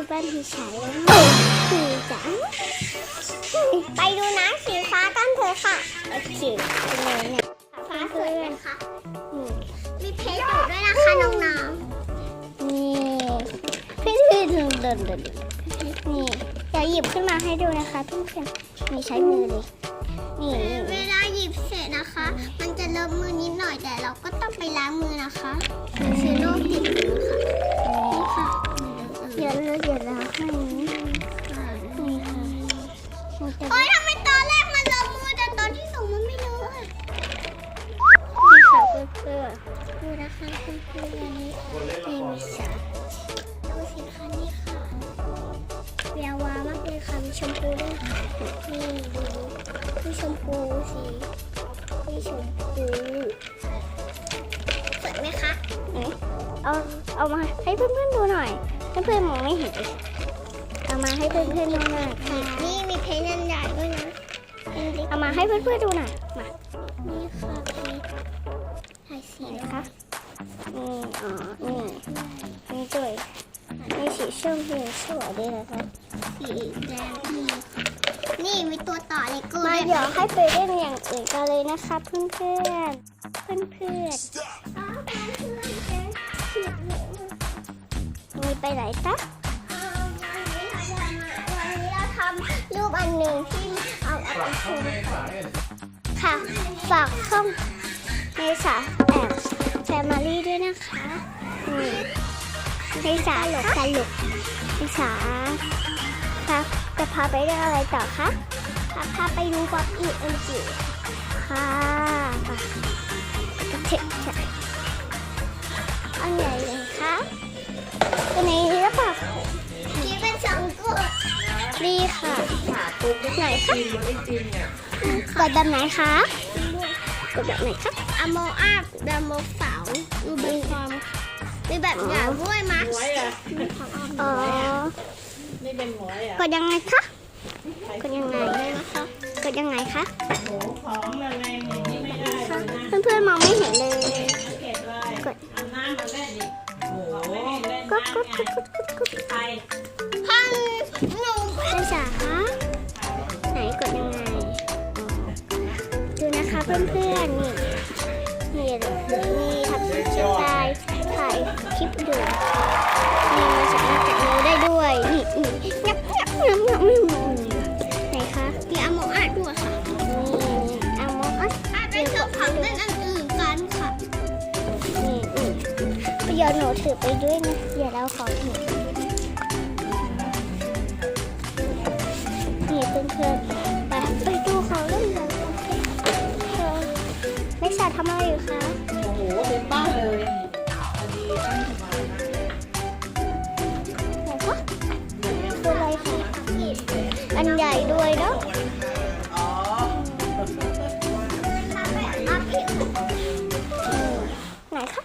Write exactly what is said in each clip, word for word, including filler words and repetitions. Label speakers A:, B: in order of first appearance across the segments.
A: บ้านพี่ชายแล้วพี่จ๋าไปดูน้ำสีฟ้ากันเถอะค่ะโอเคเป็นไงเนี่ยฟ้าสวยไหมคะมีเพชรอยู่ด้วยนะคะน้องๆนี่พี่พี่เดินเดินเดินนี่เดี๋ยวหยิบขึ้นมาให้ดูนะคะเพื่อนๆมีใช้มือเลยนี่เวลาหยิบเสร็จนะคะมันจะเลอะมือนิดหน่อยแต่เราก็ต้องไปล้างมือนะคะเชื้อโรคติดมือค่ะนี่ค่ะเดี๋ยวเราเดี๋ยวเราให้นี่ค่ะโอ๊ยทำไมตอนแรกมันเลอะมือแต่ตอนที่สองมันไม่เลอะนี่ค่ะเพื่อนๆดูนะคะเพื่อนๆอันนี้นี่มีสาดูสิคะนี่ค่ะแวววาวมากเลยค่ะมีชมพูด้วยนี่ดูมีชมพูสีมีชมพูสวยไหมคะเอาเอามาให้เพื่อนๆดูหน่อยเพื่อนๆมองไม่เห็นเอามาให้เพื่อนๆดูหน่อยค่ะนี่มีเพชรนันใหญ่ด้วยนะเอามาให้เพื่อนๆดูหน่อยมานี่ค่ะเพชรถ่ายสีนะคะนี่อ๋อนี่นี่ด้วยนี่สีส้มสีสวยดีนะคะสีแดงนี่นี่มีตัวต่อเลโก้มาเดี๋ยวให้ไปเล่นอย่างอื่นกันเลยนะคะเพื่อนเพื่อนเพื่อนเพื่อนมีไปไหนจ๊ะวันนี้เราทำรูปอันหนึ่งที่เอาเอาไปโชว์ค่ะฝากช่องเมษาแอบแฟมิลี่ด้วยนะคะนี่เมษาหลกตลกเมษาค่ะจะพาไปเรื่องอะไรต่อคะพาไปดูป๊อปอีเอ็นจิค่ะก็เช็คใช่อันไหนเลยคะตัวนี้หรือเปล่านี่เป็นสองตัวดีค่ะไหนคะกดแบบไหนคะกดแบบไหนคะอะโมอาร์แบบโมเสาดูมีความมีแบบหยาบด้วยมั้ยอ๋อ
B: นี่เป็นหมวยอ่ะ
A: กดยังไงคะกดยังไงนะคะกดยังไงคะ
B: โอ้ของอะไรนี่ไม่ได้
A: เพื่อนเพื่อนมองไม่เห็นเลยกด
B: เอาน้ำมาเล่นดิโอ้
A: กดกดกดกดกดกด
B: ไป
A: พันหนูเป็นสาคะไหนกดยังไงดูนะคะเพื่อนเพื่อนนี่นี่นี่ทำคลิปถ่ายถ่ายคลิปดูนี่มาสามารถแตะนิ้วได้ด้วยนี่นี่งับงับงับงับไหนคะมีอะโมอาร์ด้วยค่ะนี่อะโมอาร์เป็นเครื่องพังเล่นอันอื่นกันค่ะนี่นี่เดี๋ยวหนูถือไปด้วยนะเดี๋ยวเราขอถือนี่เพื่อนๆไปไปดูเขาเล่นกันนักศึกษาทำอะไรอยู่คะ
B: โอ้โหเต็มบ้านเลยอดีตั้งสบายมาก
A: คืออะไรคะอันใหญ่ด้วยเนาะ
B: อ๋อ
A: ไหนคะ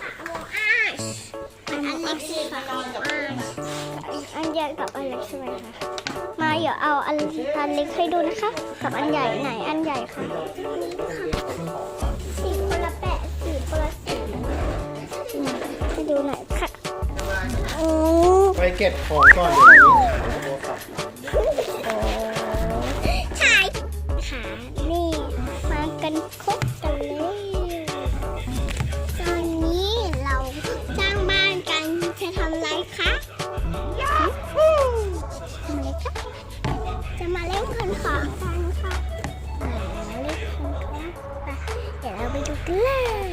A: อันเล็กสิค่ะอันใหญ่กับอันเล็กใช่ไหมคะมาเดี๋ยวเอาอันอันเล็กให้ดูนะคะกับอันใหญ่ไหนอันใหญ่ค่ะสีคนละแปะสีคนละสีให้ดูหน่อยค่ะโอ้
C: ไปเก็บของก่อนเดี๋ยวนี้
A: ใช่ค่ะนี่มากันครบกันเลยตอนนี้เราสร้างบ้านกันจะทำอะไรคะทำอะไรคะจะมาเล่นคนของกันค่ะมาเล่นคนของเดี๋ยวเราไปดูกันเลย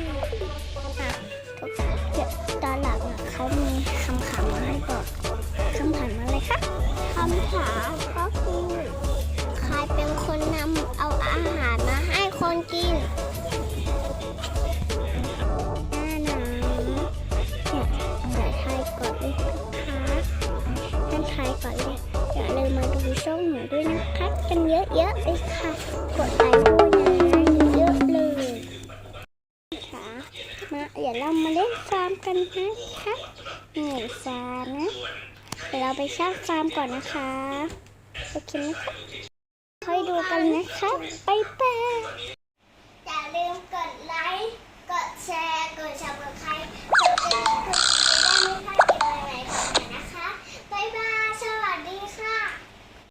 A: เดี๋ยวตอนหลังเขามีคำถามมาให้บอกคำถามอะไรคะคำถามก็คือใครเป็นคนนำเอาอาหารมาให้คนกินน่านะเนี่ยเดี๋ยวทายก่อนเลยนะคะท่านทายก่อนเลยอย่าลืมมาดูช่องหนูด้วยนะคะกันเยอะๆเลยค่ะกดไลค์ด้วยนะเยอะๆเลยค่ะมาเดี๋ยวเรามาเล่นฟาร์มกันนะคะนี่ฟาร์มนะเดี๋ยวเราไปสร้างฟาร์มก่อนนะคะโอเคไหมคะค่อยดูกันนะคะไปไปอย่าลืมกดไลค์กดแชร์